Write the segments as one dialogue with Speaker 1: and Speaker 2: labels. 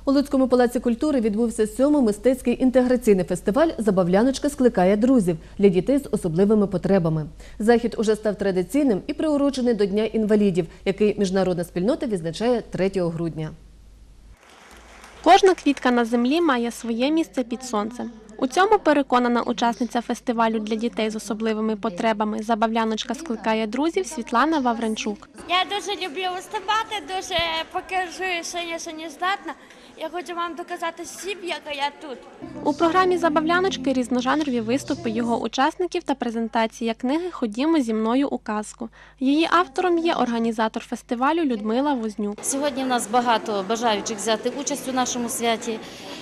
Speaker 1: У Луцькому палаці культури відбувся 7-й мистецький інтеграційний фестиваль «Забавляночка скликає друзів» для дітей з особливими потребами. Захід уже став традиційним і приурочений до Дня інвалідів, який міжнародна спільнота відзначає 3 грудня.
Speaker 2: Кожна квітка на землі має своє місце під сонцем. У цьому переконана учасниця фестивалю для дітей з особливими потребами «Забавляночка скликає друзів» Світлана Вавренчук.
Speaker 3: Я дуже люблю виступати, дуже покажу, що не здатна. Я хочу вам доказати всім, яка я тут.
Speaker 2: У програмі «Забавляночки» різножанрові виступи його учасників та презентація книги «Ходімо зі мною у казку». Її автором є організатор фестивалю Людмила Вознюк.
Speaker 4: Сьогодні в нас багато бажаючих взяти участь у нашому святі.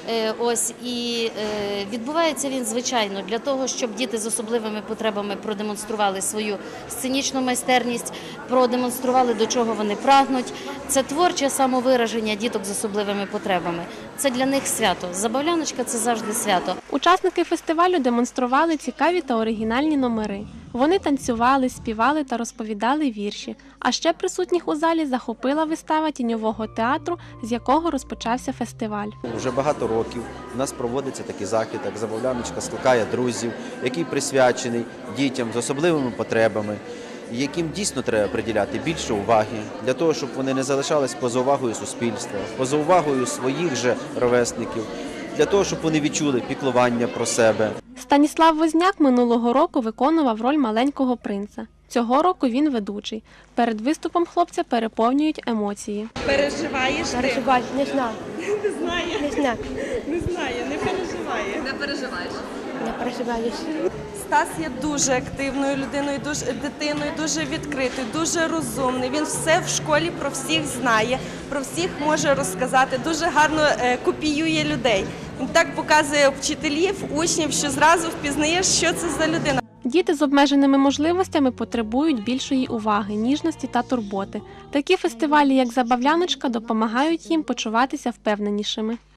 Speaker 4: Відбувається він, звичайно, для того, щоб діти з особливими потребами продемонстрували свою сценічну майстерність, продемонстрували, до чого вони прагнуть. Це творче самовираження діток з особливими потребами. Це для них свято. Забавляночка – це завжди свято.
Speaker 2: Учасники фестивалю демонстрували цікаві та оригінальні номери. Вони танцювали, співали та розповідали вірші. А ще присутніх у залі захопила вистава тіньового театру, з якого розпочався фестиваль.
Speaker 5: Вже багато років у нас проводиться такий захід, як «Забавляночка скликає друзів», який присвячений дітям з особливими потребами, яким дійсно треба приділяти більше уваги, для того, щоб вони не залишались поза увагою суспільства, поза увагою своїх же ровесників, для того, щоб вони відчули піклування про себе.
Speaker 2: Станіслав Возняк минулого року виконував роль маленького принца. Цього року він ведучий. Перед виступом хлопця переповнюють емоції.
Speaker 6: Переживаєш ти?
Speaker 7: Переживаю, не знаю.
Speaker 6: Не знає?
Speaker 7: Не знаю.
Speaker 6: Не знає, не переживає.
Speaker 8: Не переживаєш?
Speaker 7: Не переживаю.
Speaker 6: Стас є дуже активною людиною, дитиною, дуже відкритою, дуже розумний. Він все в школі про всіх знає, про всіх може розказати, дуже гарно копіює людей. Він так показує вчителів, учнів, що зразу впізнаєш, що це за людина.
Speaker 2: Діти з обмеженими можливостями потребують більшої уваги, ніжності та турботи. Такі фестивалі, як «Забавляночка», допомагають їм почуватися впевненішими.